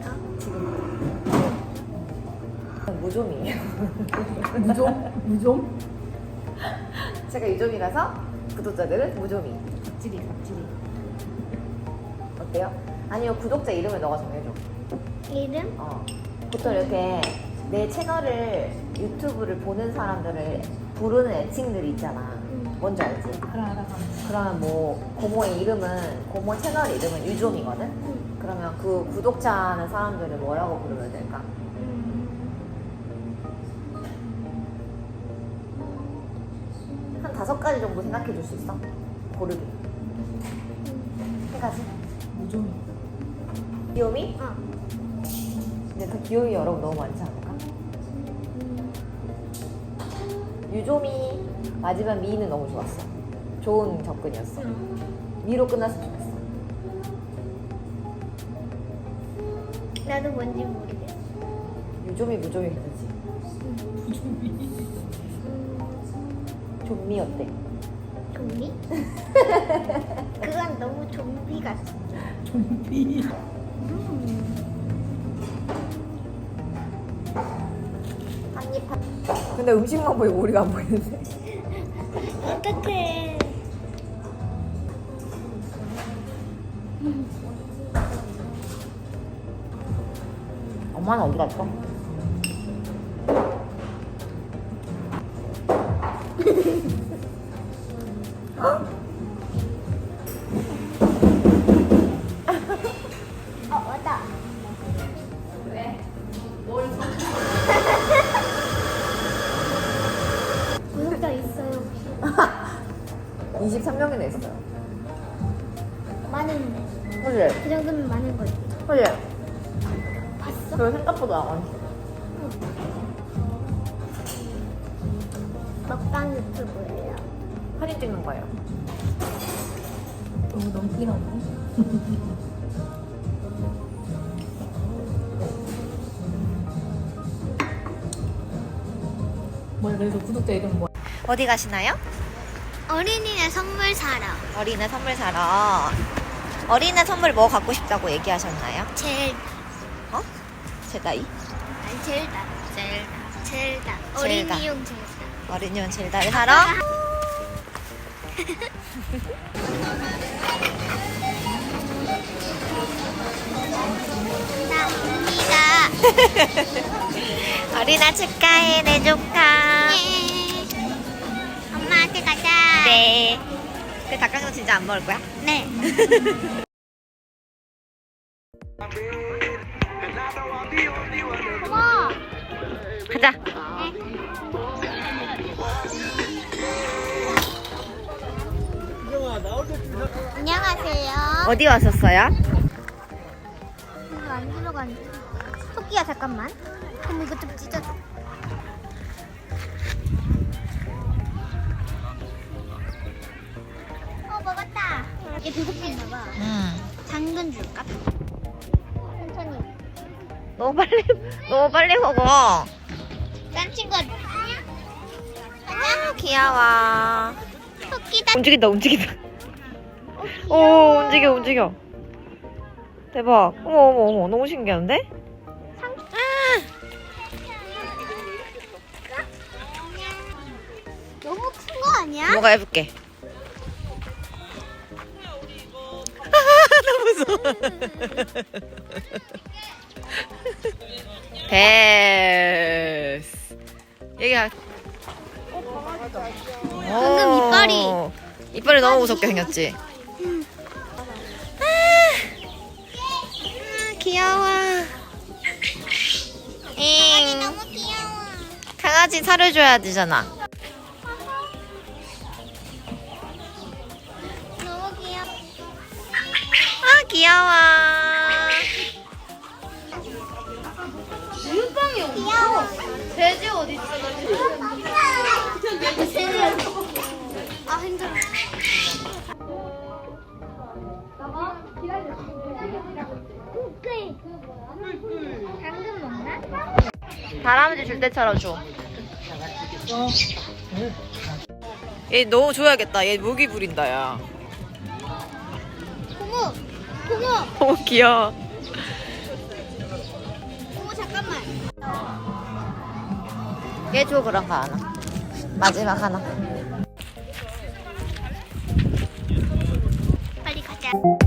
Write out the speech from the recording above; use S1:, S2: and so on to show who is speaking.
S1: 지금 무좀이에요.
S2: 무좀? 무좀?
S1: 제가 유좀이라서 구독자들은 무좀이.
S2: 갑질이.
S1: 어때요? 아니요, 구독자 이름을 너가 정해줘.
S3: 이름?
S1: 보통 이렇게 내 채널을 유튜브를 보는 사람들을 부르는 애칭들이 있잖아. 뭔지 알지?
S2: 알아.
S1: 그러면 뭐 고모의 이름은, 고모 채널 이름은 유좀이거든? 그러면 그 구독자는 사람들을 뭐라고 부르면 될까? 한 5가지 정도 생각해 줄 수 있어? 고르기. 3가지?
S2: 무좀이.
S1: 귀요미? 근데 그 귀요미 여러분 너무 많지 않을까? 유조미, 마지막 미는 너무 좋았어. 좋은 접근이었어. 미로 끝났으면 좋겠어.
S3: 나도 뭔지 모르겠어.
S1: 유조미, 무조미 괜찮지? 좀미 어때?
S3: 좀비? 그건 너무 좀비 같아.
S2: 좀비.
S1: 한입 한. 근데 음식만 보이고 우리가 안 보이는데.
S3: 어떡해.
S1: 엄마는 어디 갔어?
S3: 맞다. 구독자 있어요.
S1: 23명이나 있어요.
S3: 많은데.
S1: 그래?
S3: 그 정도면 많은 거지.
S1: 그래?
S3: 봤어?
S1: 저 생각보다 많지.
S3: 먹방 유튜브예요.
S1: 사진 찍는 거예요.
S2: 너무 넘기나네. 뭐야, 그래서 구독자 이름 뭐야?
S1: 어디 가시나요?
S3: 어린이날 선물 사러.
S1: 어린애 선물 사러. 어린애 선물 뭐 갖고 싶다고 얘기하셨나요?
S3: 제일
S1: 제다이?
S3: 아니 젤다.
S1: 젤다.
S3: 어린이용 젤다.
S1: 어린이용 젤다를 사러?
S3: 감사합니다.
S1: 어린아 축하해, 내 조카.
S3: 엄마한테 가자.
S1: 네. 그 닭강정 진짜 안 먹을 거야?
S3: 네. 고마워.
S1: 가자.
S3: 안녕하세요.
S1: 어디 왔었어요?
S3: 이거 안 들어가는데. 토끼야 잠깐만. 그럼 이거 좀 찢어줘. 먹었다. 이게 배고픈가 봐. 당근 줄까? 천천히.
S1: 너무 빨리 먹어.
S3: 딴 친구. 안녕.
S1: 귀여워.
S3: 토끼다.
S1: 움직인다. 오, 움직여. 대박. 어머, 너무 신기한데?
S3: 너무 큰 거 아니야?
S1: 뭐가 해볼게. 너무 무서워. 됐어. 여기가.
S3: 방금
S1: 이빨이 너무 무섭게 생겼지? 귀여워.
S3: 강아지 너무 귀여워.
S1: 강아지 살을 줘야 되잖아.
S3: 너무 귀여워.
S1: 아, 귀여워.
S3: 물방이 귀여워.
S1: 돼지 어디 있어?
S3: 아 힘들어. 당근 먹나?
S1: 다람쥐 줄 때처럼 줘. 얘 너무 줘야겠다. 얘 모기 부린다, 야.
S3: 고모.
S1: 너무 귀여워. 깨줘 그런 거 하나. 마지막 하나.
S3: 빨리 가자.